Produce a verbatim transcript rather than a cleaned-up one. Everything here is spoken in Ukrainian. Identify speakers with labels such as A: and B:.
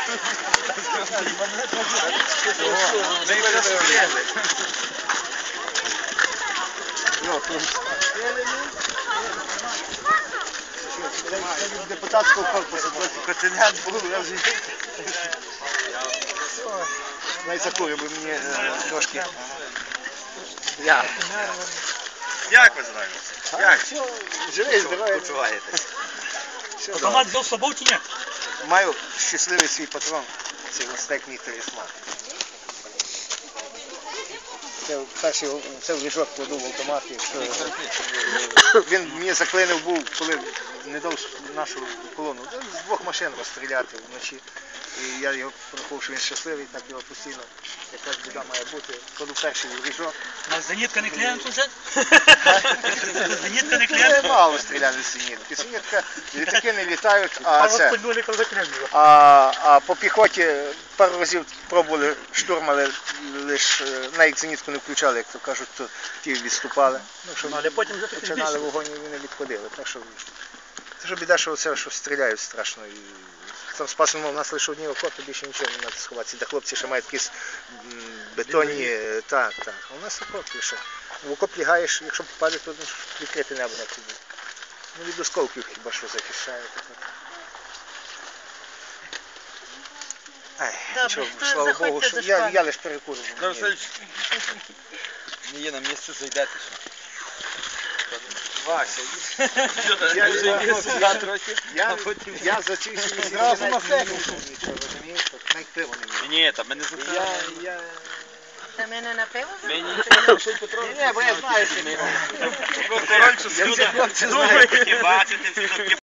A: Депутатського корпусу континент був, я вже... Навіть закурю, бо мені трошки... Я.
B: Як ви знаєте? Як?
A: Живий, здоровий.
B: Почуваєтесь?
C: Автомат взяв з собою чи ні?
A: Маю щасливий свій патрон. Це Гостек мій талісман. Це перший, це в ліжок кладу в автомат. Він мені заклинив був, коли не дав нашу колону. З двох машин розстріляти вночі. І я його порахував, що він щасливий, так його постійно, якась біда має бути. Кладу перший в ліжок.
C: У нас зенітка не клієнт уже? Зенітка не клієнт?
A: Мало стріляли з зенітки. Зенітка, літаки не літають, а це... А, а по піхоті пару разів пробували штурм, але лише навіть зенітку не включали, як то кажуть, то ті відступали. Ну, що
C: Але потім вже
A: починали вогонь і вони відходили. Так що, це ж біда, що це, що стріляють страшно. І там спасено, у нас лише одні окопи, більше нічого не треба сховатися. Де хлопці ще мають якісь бетонні, так, так. А у нас окоп лише. В окоп лягаєш, якщо попаде, то відкрите небо на тобі. Ну, від осколків хіба що захищає. Ай, нічого, слава Богу, що я, я лише перекурю.
B: Не є на місце, зайдете ще. Вася,
A: Я,
B: вже є сюди трохи,
A: я,
B: а потім...
A: я за ці всі місяці навіть не їв нічого, розумієш? Навіть пиво не міг.
B: Ні, там мене
A: Я,
B: запитали.
A: я...
D: Та мене на пиво?
B: Мені нічого не лишить Петро.
A: Ні, ні, бо я знаю, що не
B: Коротше,
A: я ці хлопці знаю.
B: бачите, все-таки